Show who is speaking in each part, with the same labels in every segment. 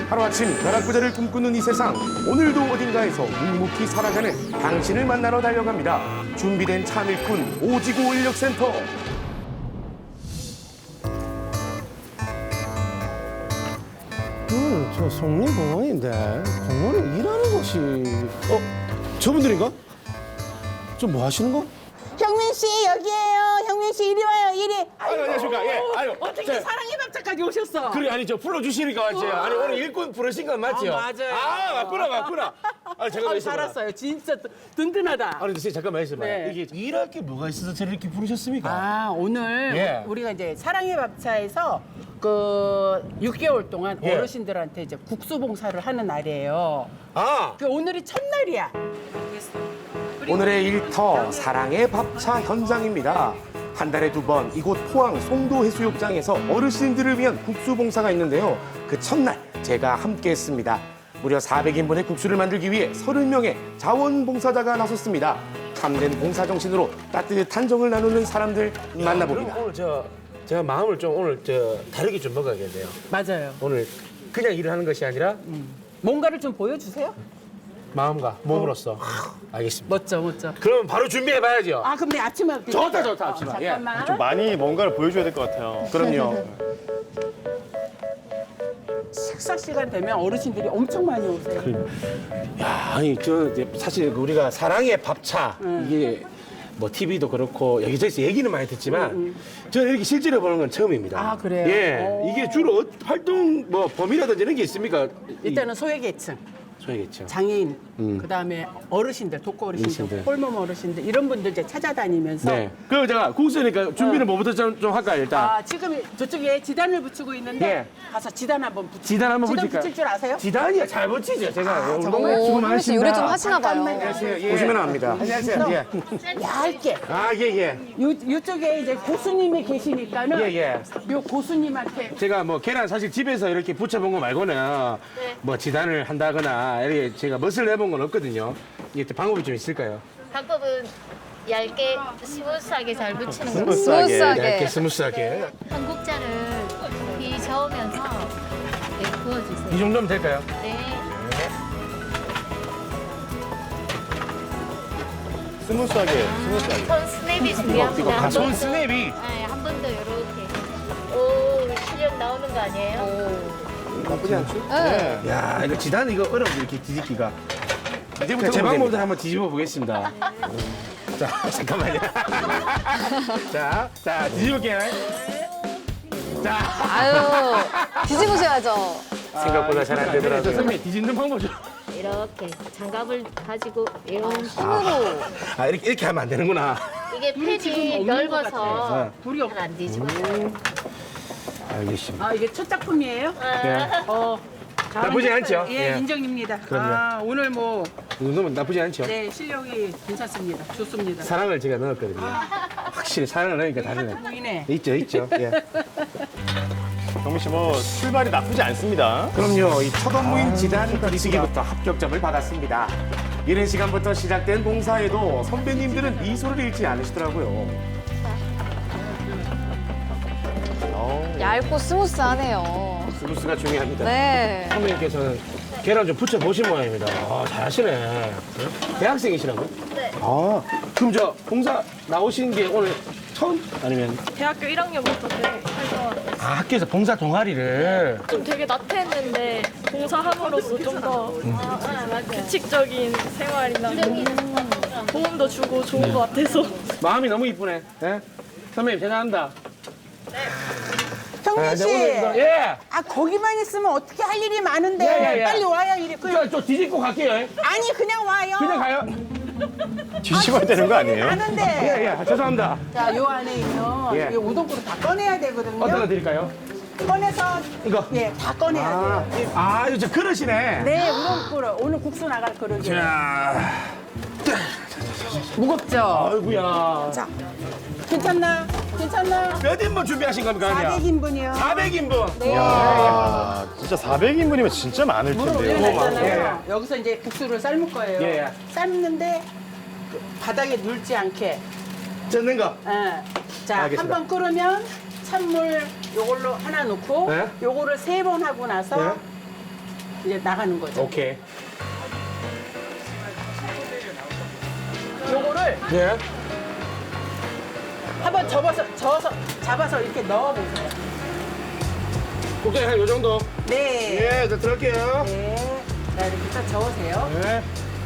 Speaker 1: 하루아침 벼락부자를 꿈꾸는 이 세상, 오늘도 어딘가에서 묵묵히 살아가는 당신을 만나러 달려갑니다. 준비된 참일꾼 오지구 인력센터.
Speaker 2: 저 성림공원인데 공원에 일하는 곳이 저분들인가? 좀 뭐 하시는 거?
Speaker 3: 형민 씨 여기에요. 형민 씨 이리 와요. 이리.
Speaker 2: 아유, 안녕하십니까. 예, 아유.
Speaker 3: 어떻게
Speaker 2: 저,
Speaker 3: 사랑의 밥차까지 오셨어?
Speaker 2: 그래, 아니, 저 불러주시니까 왔지. 아니, 오늘 일꾼 부르신 건 맞죠?
Speaker 3: 맞아요.
Speaker 2: 아, 맞구나. 아니, 잠깐만 있어봐.
Speaker 3: 살았어요. 진짜 든든하다.
Speaker 2: 아니, 근데 선생님, 잠깐만 있어봐.
Speaker 3: 네.
Speaker 2: 이게 일할 게 뭐가 있어서 저를 이렇게 부르셨습니까?
Speaker 3: 아 오늘
Speaker 2: 예.
Speaker 3: 우리가 이제 사랑의 밥차에서 그 6개월 동안
Speaker 2: 예.
Speaker 3: 어르신들한테 이제 국수 봉사를 하는 날이에요.
Speaker 2: 아,
Speaker 3: 그 오늘이 첫날이야.
Speaker 1: 오늘의 일터 사랑의 밥차 현장입니다. 한 달에 2번 이곳 포항 송도 해수욕장에서 어르신들을 위한 국수 봉사가 있는데요. 그 첫날 제가 함께했습니다. 무려 400인분의 국수를 만들기 위해 30명의 자원봉사자가 나섰습니다. 참된 봉사 정신으로 따뜻한 정을 나누는 사람들 만나봅니다.
Speaker 2: 그럼 오늘 제가 마음을 좀 오늘 다르게 좀 먹어야겠네요.
Speaker 3: 맞아요.
Speaker 2: 오늘 그냥 일을 하는 것이 아니라
Speaker 3: 뭔가를 좀 보여주세요.
Speaker 2: 마음과 몸으로써. 알겠습니다.
Speaker 3: 멋져.
Speaker 2: 그럼 바로 준비해봐야죠.
Speaker 3: 아 그럼 내 앞치마 할게.
Speaker 2: 좋다, 앞치마. 예.
Speaker 3: 잠깐만.
Speaker 4: 좀 많이 뭔가를 보여줘야 될 것 같아요.
Speaker 1: 그럼요.
Speaker 3: 식사 시간 되면 어르신들이 엄청 많이 오세요.
Speaker 2: 야, 아니 사실 우리가 사랑의 밥차 이게 뭐 TV도 그렇고 여기저기서 얘기는 많이 듣지만 저는 이렇게 실제로 보는 건 처음입니다.
Speaker 3: 아, 그래요?
Speaker 2: 예,
Speaker 3: 오.
Speaker 2: 이게 주로 활동 뭐 범위라든지 이런 게 있습니까?
Speaker 3: 일단은 소외계층.
Speaker 2: 소야겠죠.
Speaker 3: 장애인, 그다음에 어르신들, 독거 어르신들,
Speaker 2: 어르신들.
Speaker 3: 홀몸 어르신들 이런 분들 이제 찾아다니면서
Speaker 2: 네. 그럼 제가 국수니까 준비는 뭐부터 좀 할까요 일단?
Speaker 3: 아 지금 저쪽에 지단을 붙이고 있는데
Speaker 2: 예.
Speaker 3: 가서 지단 한번 붙이.
Speaker 2: 지단 한번
Speaker 3: 지단
Speaker 2: 붙일까요?
Speaker 3: 붙일 줄 아세요?
Speaker 2: 지단이야 잘 붙이죠 제가.
Speaker 3: 정말?
Speaker 2: 수고
Speaker 5: 형민 씨 요리 좀 하시나 봐요.
Speaker 2: 안녕하세요. 예.
Speaker 1: 보시면 압니다.
Speaker 2: 안녕하세요. 예.
Speaker 3: 얇게.
Speaker 2: 아 예.
Speaker 3: 이쪽에 이제 고수님이 계시니까는
Speaker 2: 예.
Speaker 3: 요 고수님한테
Speaker 2: 제가 뭐 계란 사실 집에서 이렇게 부쳐본 거 말고는 뭐 지단을 한다거나 이렇게 제가 멋을 내본 건 없거든요. 이게 또 방법이 좀 있을까요?
Speaker 6: 방법은 얇게 스무스하게 잘 붙이는 거.
Speaker 2: 얇게
Speaker 5: 스무스하게.
Speaker 2: 스무스하게.
Speaker 6: 한국자를 비 저으면서 네, 구워주세요.
Speaker 2: 이 정도면 될까요?
Speaker 6: 네.
Speaker 4: 스무스하게.
Speaker 6: 손 스냅이 중요합니다.
Speaker 2: 아, 손 스냅이.
Speaker 6: 네, 한 번 더 이렇게. 오, 실력 나오는 거 아니에요?
Speaker 2: 나쁘지 않죠?
Speaker 5: 네.
Speaker 2: 야, 이거 지단 이거 어려워 이렇게 뒤집기가.
Speaker 1: 이제부터
Speaker 2: 제
Speaker 1: 보면
Speaker 2: 방법대로
Speaker 1: 됩니다.
Speaker 2: 한번 뒤집어 보겠습니다. 자, 잠깐만요. 자, 뒤집을게요. 자,
Speaker 5: 아유, 뒤집으셔야죠.
Speaker 2: 생각보다 잘 안 되더라고요.
Speaker 1: 네,
Speaker 2: 선생님, 뒤집는 방법 좀.
Speaker 6: 이렇게 장갑을 가지고 이런
Speaker 5: 손으로.
Speaker 2: 아, 이렇게 하면 안 되는구나.
Speaker 6: 이게 팬이 넓어서
Speaker 3: 불이 없.
Speaker 6: 안 뒤집어요.
Speaker 2: 알겠습니다.
Speaker 3: 아 이게 첫 작품이에요?
Speaker 2: 네. 나쁘지 않죠?
Speaker 3: 예,
Speaker 2: 예.
Speaker 3: 인정입니다.
Speaker 2: 그럼요.
Speaker 3: 아 오늘 뭐
Speaker 2: 이 정도면 나쁘지 않죠?
Speaker 3: 네, 실력이 괜찮습니다. 좋습니다.
Speaker 2: 사랑을 제가 넣었거든요. 확실히 사랑을 넣으니까 다르네.
Speaker 3: 보이네.
Speaker 2: 있죠. 예.
Speaker 4: 경민 씨 뭐 출발이 나쁘지 않습니다.
Speaker 1: 그럼요. 이 첫 업무인 지단 비수기부터 합격점을 받았습니다. 이른 시간부터 시작된 봉사에도 선배님들은 미소를 잃지 않으시더라고요.
Speaker 5: 얇고 스무스하네요.
Speaker 2: 스무스가 중요합니다.
Speaker 5: 네.
Speaker 2: 선배님께서는 계란 좀 부쳐 보신 모양입니다. 아, 잘하시네. 네? 대학생이시라고요?
Speaker 6: 네.
Speaker 2: 아, 그럼 저 봉사 나오신 게 오늘 처음? 아니면
Speaker 7: 대학교 1학년부터 활동하고
Speaker 2: 아, 학교에서 봉사 동아리를
Speaker 7: 좀 되게 나태했는데 봉사함으로써 좀 더 규칙적인 생활이나 도움도 주고 좋은 것 같아서
Speaker 2: 마음이 너무 이쁘네. 예? 선배님 대단합니다.
Speaker 3: 형민 씨.
Speaker 2: 예.
Speaker 3: 아 거기만 있으면 어떻게 할 일이 많은데
Speaker 2: 예.
Speaker 3: 빨리 와요. 이리.
Speaker 2: 저 뒤집고 갈게요. 예?
Speaker 3: 아니 그냥 와요.
Speaker 2: 그냥 가요.
Speaker 4: 뒤집어야 되는 거 아니에요?
Speaker 3: 하는데.
Speaker 2: 예. 죄송합니다.
Speaker 3: 자, 요 안에 있는
Speaker 2: 예.
Speaker 3: 이 우동국을 다 꺼내야 되거든요.
Speaker 2: 어떤 거 드릴까요?
Speaker 3: 꺼내서
Speaker 2: 이거.
Speaker 3: 예, 다 꺼내야 돼요.
Speaker 2: 아, 이거 저 그릇이네.
Speaker 3: 네, 우동국을 오늘 국수 나갈 그릇이에요.
Speaker 2: 자,
Speaker 3: 무겁죠?
Speaker 2: 아이고야.
Speaker 3: 자, 괜찮나?
Speaker 2: 몇 인분 준비하신 겁니까?
Speaker 3: 400인분이요.
Speaker 2: 400인분.
Speaker 4: 이야, 진짜 400인분이면 진짜 많을
Speaker 3: 물을
Speaker 4: 텐데요.
Speaker 3: 올려놨잖아요. 여기서 이제 국수를 삶을 거예요.
Speaker 2: 예.
Speaker 3: 삶는데 그 바닥에 눌지 않게.
Speaker 2: 젓는 거.
Speaker 3: 예. 자,
Speaker 2: 알겠습니다.
Speaker 3: 한 번 끓으면 찬물 요걸로 하나 넣고
Speaker 2: 네.
Speaker 3: 요거를 3번 하고 나서
Speaker 2: 네.
Speaker 3: 이제 나가는 거죠.
Speaker 2: 오케이.
Speaker 3: 요거를
Speaker 2: 네.
Speaker 3: 한번 잡아서 이렇게 넣어보세요.
Speaker 2: 국장님 한요 정도.
Speaker 3: 네.
Speaker 2: 예, 저 들어갈게요.
Speaker 3: 네. 자, 이렇게 딱 저으세요.
Speaker 2: 네.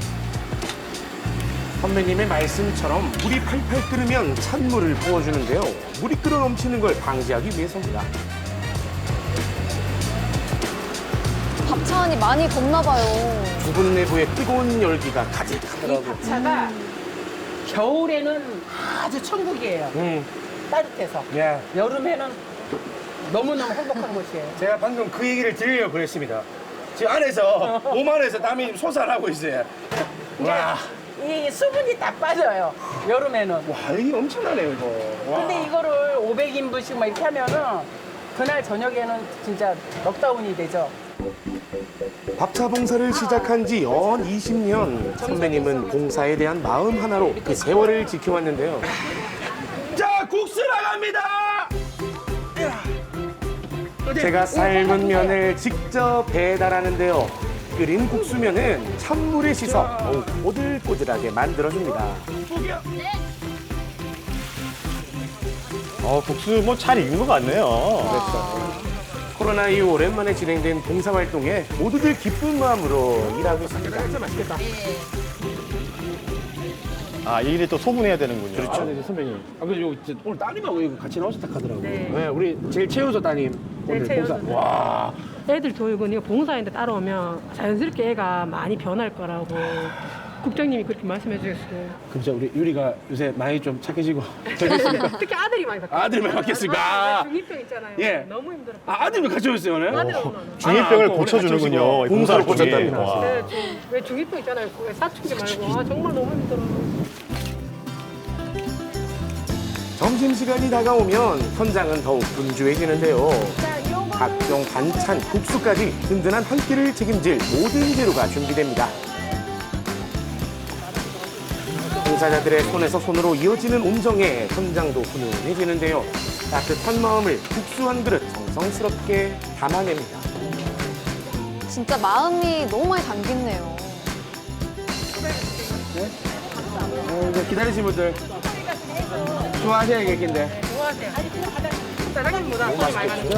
Speaker 1: 선배님의 말씀처럼 물이 팔팔 끓으면 찬물을 부어주는데요. 물이 끓어 넘치는 걸 방지하기 위해서입니다.
Speaker 5: 밥차안이 많이 덥나 봐요.
Speaker 1: 두분 내부에 뜨거운 열기가
Speaker 3: 이
Speaker 1: 가득하더라고요.
Speaker 3: 밥차가 겨울에는 아주 천국이에요. 따뜻해서.
Speaker 2: 예.
Speaker 3: 여름에는 너무너무 행복한 곳이에요.
Speaker 2: 제가 방금 그 얘기를 드리려고 그랬습니다. 지금 안에서 몸 안에서 땀이 솟아나고 있어요. 와,
Speaker 3: 이 수분이 다 빠져요. 여름에는.
Speaker 2: 와 이게 엄청나네요 이거. 와.
Speaker 3: 근데 이거를 500인분씩 막 이렇게 하면은 그날 저녁에는 진짜 넉다운이 되죠.
Speaker 1: 밥차 봉사를 시작한 지 연 20년. 선배님은 봉사에 대한 마음 하나로 그 세월을 지켜왔는데요.
Speaker 2: 자 국수 나갑니다.
Speaker 1: 제가 삶은 면을 직접 배달하는데요. 끓인 국수면은 찬물에 씻어 더욱 꼬들꼬들하게 만들어줍니다.
Speaker 4: 국수 뭐 잘 익은 것 같네요.
Speaker 1: 코로나 이후 오랜만에 진행된 봉사활동에 모두들 기쁜 마음으로 일하고 있습니다. 진짜 맛있겠다.
Speaker 4: 아, 이 일이 또 소분해야 되는군요.
Speaker 2: 그렇죠. 네, 선배님. 아, 그리고 오늘 따님하고 이거 같이 나오셨다 하더라고요. 네. 우리 제일 최우서 따님. 오늘 봉사. 와.
Speaker 8: 애들 교육은 이거 봉사인데 따라오면 자연스럽게 애가 많이 변할 거라고 국장님이 그렇게 말씀해 주셨어요.
Speaker 2: 그럼 진짜 우리 유리가 요새 많이 좀 착해지고 되겠습니까?
Speaker 8: 특히 아들이 많이 바뀌었어요.
Speaker 2: 아들만 바뀌었을까?
Speaker 8: 중2병 있잖아요.
Speaker 2: 예.
Speaker 8: 너무 힘들어.
Speaker 2: 아, 아들만 같이 오셨어요, 오늘?
Speaker 8: 아들이 오늘.
Speaker 4: 중이병을
Speaker 2: 아,
Speaker 4: 고쳐주는군요. 이
Speaker 1: 봉사를
Speaker 4: 봉사활동이.
Speaker 1: 고쳤답니다.
Speaker 4: 와.
Speaker 8: 네, 왜 중2병 있잖아요. 왜 사춘기 말고. 아, 정말 너무 힘들어.
Speaker 1: 점심시간이 다가오면 현장은 더욱 분주해지는데요. 각종 반찬, 국수까지 든든한 한 끼를 책임질 모든 재료가 준비됩니다. 봉사자들의 손에서 손으로 이어지는 온정에 현장도 훈훈해지는데요. 따뜻한 마음을 국수 한 그릇 정성스럽게 담아냅니다.
Speaker 5: 진짜 마음이 너무 많이 담겼네요.
Speaker 2: 이제 기다리신 분들 좋아하셔야겠긴데.
Speaker 8: 사장님보다 손이 많이 가는 거.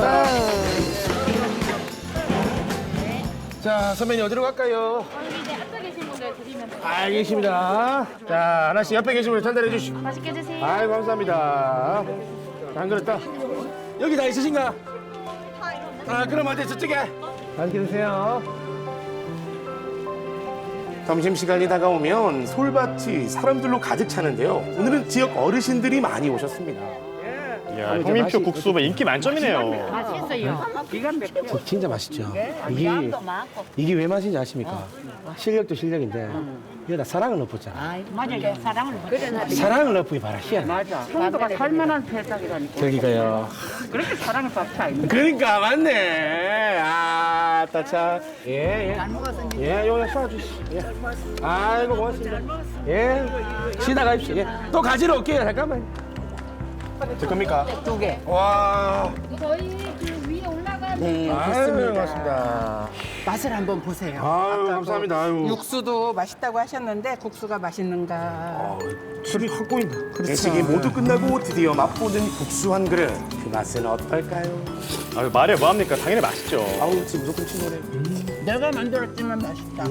Speaker 2: 자, 선배님 어디로 갈까요?
Speaker 6: 이제 앞에 계신 분들 드리면 돼요.
Speaker 2: 알겠습니다. 자, 하나씩 옆에 계신 분 전달해 주시고.
Speaker 6: 맛있게 드세요.
Speaker 2: 아이, 감사합니다. 자, 한 그릇 더. 여기 다 있으신가? 아, 그럼 어디 저쪽에. 맛있게 드세요.
Speaker 1: 점심시간이 다가오면 솔밭이 사람들로 가득 차는데요. 오늘은 지역 어르신들이 많이 오셨습니다.
Speaker 4: 이야, 형님표 국수 뭐 인기 만점이네요.
Speaker 3: 맛있어요. 기가 막혀.
Speaker 2: 진짜 맛있죠.
Speaker 3: 양도 많고.
Speaker 2: 이게 왜 맛인지 아십니까? 실력도 실력인데 여기다 사랑을 넣었잖아.
Speaker 3: 맞아요. 사랑을. 그래,
Speaker 2: 사랑을 넣고 봐라 희한해.
Speaker 3: 맞아. 성도가 살만한 세상이라니까.
Speaker 2: 저기가요.
Speaker 3: 그렇게 사랑을 받지 않는
Speaker 2: 그러니까 맞네. 아, 따차. 예, 예.
Speaker 3: 잘 먹었으니.
Speaker 2: 예, 요거 쏴주시. 예. 아이고 고맙습니다. 예. 쉬다 가십시오. 예. 또 가지러 올게요. 잠깐만. 제 겁니까?
Speaker 3: 2개.
Speaker 2: 와.
Speaker 6: 저희 그 위에 올라가는
Speaker 3: 네,
Speaker 2: 아유,
Speaker 3: 좋습니다.
Speaker 2: 고맙습니다.
Speaker 3: 맛을 한번 보세요.
Speaker 2: 아유,
Speaker 3: 아까
Speaker 2: 감사합니다. 아유.
Speaker 3: 육수도 맛있다고 하셨는데 국수가 맛있는가?
Speaker 2: 술이 확 보인다.
Speaker 1: 회식이 모두 끝나고 드디어 맛보는 국수 한 그릇. 그 맛은 어떨까요?
Speaker 4: 아유, 말해 뭐합니까? 당연히 맛있죠.
Speaker 1: 아우, 지금 무조건 친구네.
Speaker 3: 내가 만들었지만 맛있다.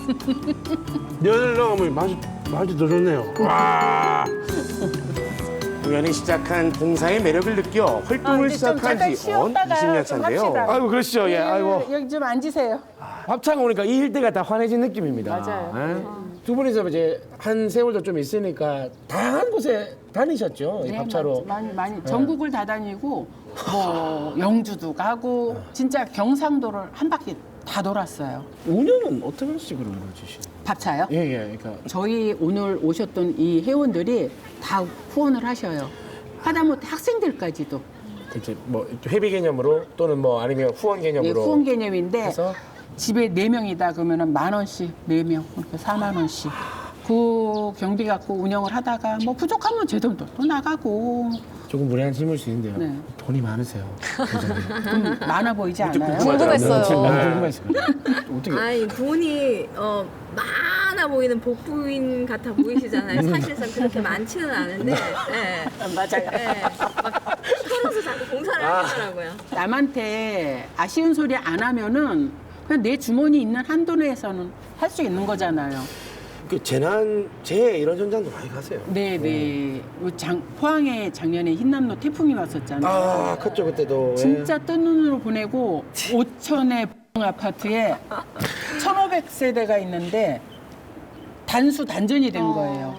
Speaker 2: 면을 넣으면 맛이 더 좋네요. 와.
Speaker 1: 우연히 시작한 봉사의 매력을 느껴 활동을
Speaker 3: 이제 좀
Speaker 1: 시작한
Speaker 3: 잠깐
Speaker 1: 지 언
Speaker 3: 쉬었다가
Speaker 1: 20년
Speaker 3: 좀
Speaker 1: 차인데요.
Speaker 3: 합시다.
Speaker 2: 아이고 그러시죠. 예. 아이고.
Speaker 3: 여기 좀 앉으세요.
Speaker 2: 밥차가 오니까 이 일대가 다 환해진 느낌입니다.
Speaker 3: 맞아요.
Speaker 2: 예? 두 분이서 이제 한 세월도 좀 있으니까 다양한 곳에 다니셨죠. 이 밥차로.
Speaker 3: 많이 전국을 다 다니고 뭐 영주도 가고 진짜 경상도를 한 바퀴 다 돌았어요.
Speaker 2: 운영은 어떤 식으로 해주시나요?
Speaker 3: 밥차요?
Speaker 2: 예, 예. 그러니까
Speaker 3: 저희 오늘 오셨던 이 회원들이 다 후원을 하셔요. 하다못해 학생들까지도.
Speaker 2: 이제 뭐 회비 개념으로 또는 뭐 아니면 후원
Speaker 3: 예,
Speaker 2: 개념으로
Speaker 3: 후원 개념인데
Speaker 2: 해서
Speaker 3: 집에 4명이다 그러면은 10,000원씩 4명 그러니까 4만 원씩. 그 또 경비 갖고 운영을 하다가 뭐 부족하면 제 돈도 또 나가고
Speaker 2: 조금 무례한 질문일 수 있는데요.
Speaker 3: 네.
Speaker 2: 돈이 많으세요.
Speaker 3: 좀 많아 보이지 않아요?
Speaker 5: 궁금했어요.
Speaker 2: 지금 너무 궁금했어요. 어떻게?
Speaker 9: 아니 돈이 많아 보이는 복부인 같아 보이시잖아요. 사실상 그렇게 많지는 않은데,
Speaker 3: 맞아요.
Speaker 9: 막 털어서 자꾸 봉사를 하시더라고요.
Speaker 3: 남한테 아쉬운 소리 안 하면은 그냥 내 주머니 있는 한도 내에서는 할 수 있는 거잖아요.
Speaker 2: 그 재해 이런 현장도 많이 가세요.
Speaker 3: 네네. 포항에 작년에 흰남노 태풍이 왔었잖아요.
Speaker 2: 아, 컸죠 그때도.
Speaker 3: 진짜 뜬 눈으로 보내고 5천의 아파트에 1,500세대가 있는데 단전이 된 거예요.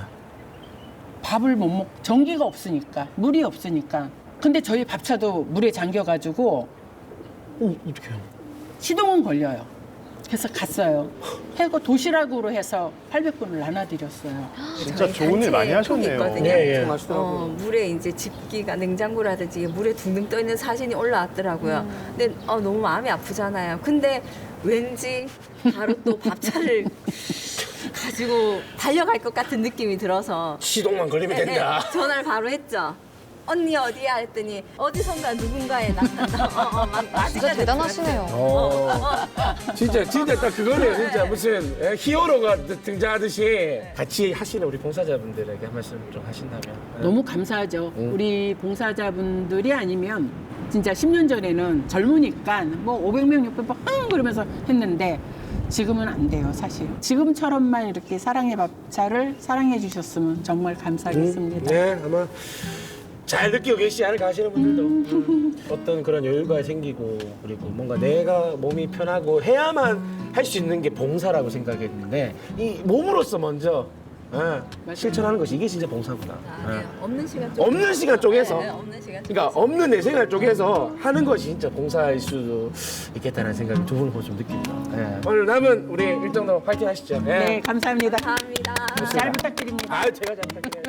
Speaker 3: 밥을 못 먹, 전기가 없으니까, 물이 없으니까. 근데 저희 밥차도 물에 잠겨가지고
Speaker 2: 어떡해요?
Speaker 3: 시동은 걸려요. 그래서 갔어요. 해고 도시락으로 해서 800분을 나눠드렸어요.
Speaker 4: 진짜 좋은 일 많이 하셨네요.
Speaker 9: 있거든요.
Speaker 2: 예, 예.
Speaker 9: 물에 이제 집기가 냉장고라든지 물에 둥둥 떠 있는 사진이 올라왔더라고요. 근데 너무 마음이 아프잖아요. 근데 왠지 바로 또 밥차를 가지고 달려갈 것 같은 느낌이 들어서
Speaker 2: 시동만 걸리면 된다.
Speaker 9: 전화를 바로 했죠. 언니 어디야 했더니 어디선가 누군가에 나타나.
Speaker 5: 진짜 대단하시네요.
Speaker 2: 진짜 딱 그거네요. 진짜 무슨 히어로가 등장하듯이 같이 하시는 우리 봉사자분들에게 한 말씀 좀 하신다면.
Speaker 3: 너무 감사하죠. 우리 봉사자분들이 아니면 진짜 10년 전에는 젊으니까 뭐 500명, 600명 그러면서 했는데 지금은 안 돼요, 사실. 지금처럼만 이렇게 사랑의 밥차를 사랑해 주셨으면 정말 감사하겠습니다.
Speaker 2: 네, 아마 잘 느끼고 계시지 않을까 하시는 분들도 어떤 그런 여유가 생기고 그리고 뭔가 내가 몸이 편하고 해야만 할 수 있는 게 봉사라고 생각했는데 이 몸으로서 먼저 실천하는 것이 이게 진짜 봉사구나.
Speaker 9: 없는 시간
Speaker 2: 없는 시간 쪽에서
Speaker 9: 없는 시간
Speaker 2: 그러니까 없는 내 생활 쪽에서 하는 것이 진짜 봉사일 수도 있겠다는 생각이 두 분을 보고 좀 느낍니다. 오늘 남은 우리 일정도 파이팅 하시죠.
Speaker 3: 네, 감사합니다.
Speaker 9: 감사합니다.
Speaker 3: 잘 부탁드립니다.
Speaker 2: 제가 잘 부탁드려요.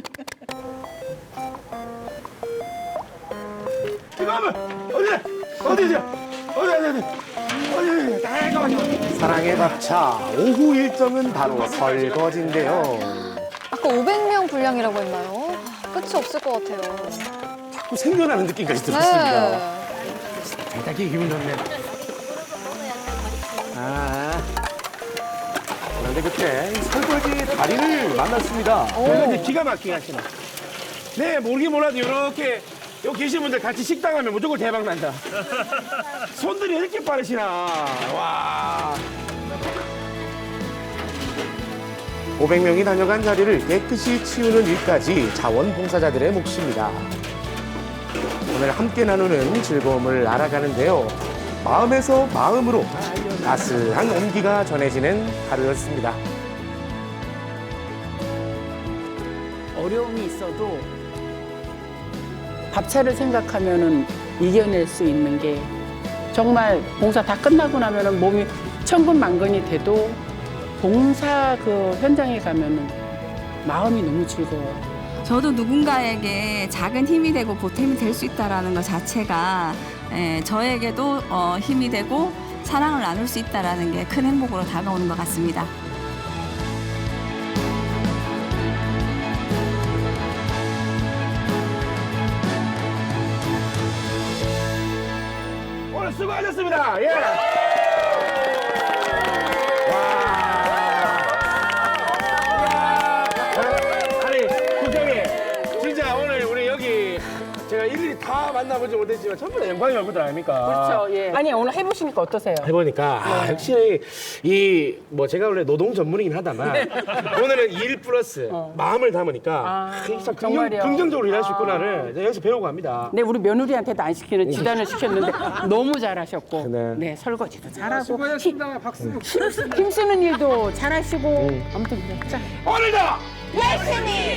Speaker 2: 어디
Speaker 1: 사랑의 밥차 오후 일정은 바로 설거지인데요.
Speaker 5: 아까 500명 분량이라고 했나요? 끝이 없을 것 같아요.
Speaker 1: 자꾸 생겨나는 느낌까지 들었습니다.
Speaker 5: 네.
Speaker 2: 딱 기분 좋네.
Speaker 1: 그런데 그때 설거지 달인을 만났습니다.
Speaker 2: 설거지 기가 막히게 하시네. 네, 모르긴 몰라도 이렇게 여기 계신 분들 같이 식당 하면 무조건 대박 난다. 손들이 이렇게 빠르시나. 와.
Speaker 1: 500명이 다녀간 자리를 깨끗이 치우는 일까지 자원봉사자들의 몫입니다. 오늘 함께 나누는 즐거움을 알아가는데요. 마음에서 마음으로 따스한 온기가 전해지는 하루였습니다.
Speaker 3: 어려움이 있어도 밥차를 생각하면은 이겨낼 수 있는 게 정말 봉사 다 끝나고 나면은 몸이 천근만근이 돼도 봉사 그 현장에 가면은 마음이 너무 즐거워요.
Speaker 9: 저도 누군가에게 작은 힘이 되고 보탬이 될 수 있다는 것 자체가 저에게도 힘이 되고 사랑을 나눌 수 있다는 게 큰 행복으로 다가오는 것 같습니다.
Speaker 2: 오늘 수고하셨습니다. 예. 아니, 국장님, 진짜 오늘 우리 여기 제가 일일이 다 만나보지 못했지만 전부 다 영광의 얼굴들 아닙니까?
Speaker 3: 그렇죠. 예. 아니 오늘 해보시니까 어떠세요?
Speaker 2: 해보니까 역시 이 뭐 제가 원래 노동 전문이긴 하다만 오늘은 일 플러스 마음을 담으니까 참
Speaker 3: 정말요?
Speaker 2: 긍정적으로 일할 수 있구나를 이제 여기서 배우고 합니다.
Speaker 3: 네, 우리 며느리한테도 안 시키는 지단을 시켰는데 너무 잘하셨고,
Speaker 2: 네.
Speaker 3: 네, 설거지도 잘하고, 수고하셨습니다. 박수. 힘쓰는 일도 잘하시고, 아무튼 자.
Speaker 2: 오늘도
Speaker 5: 열심히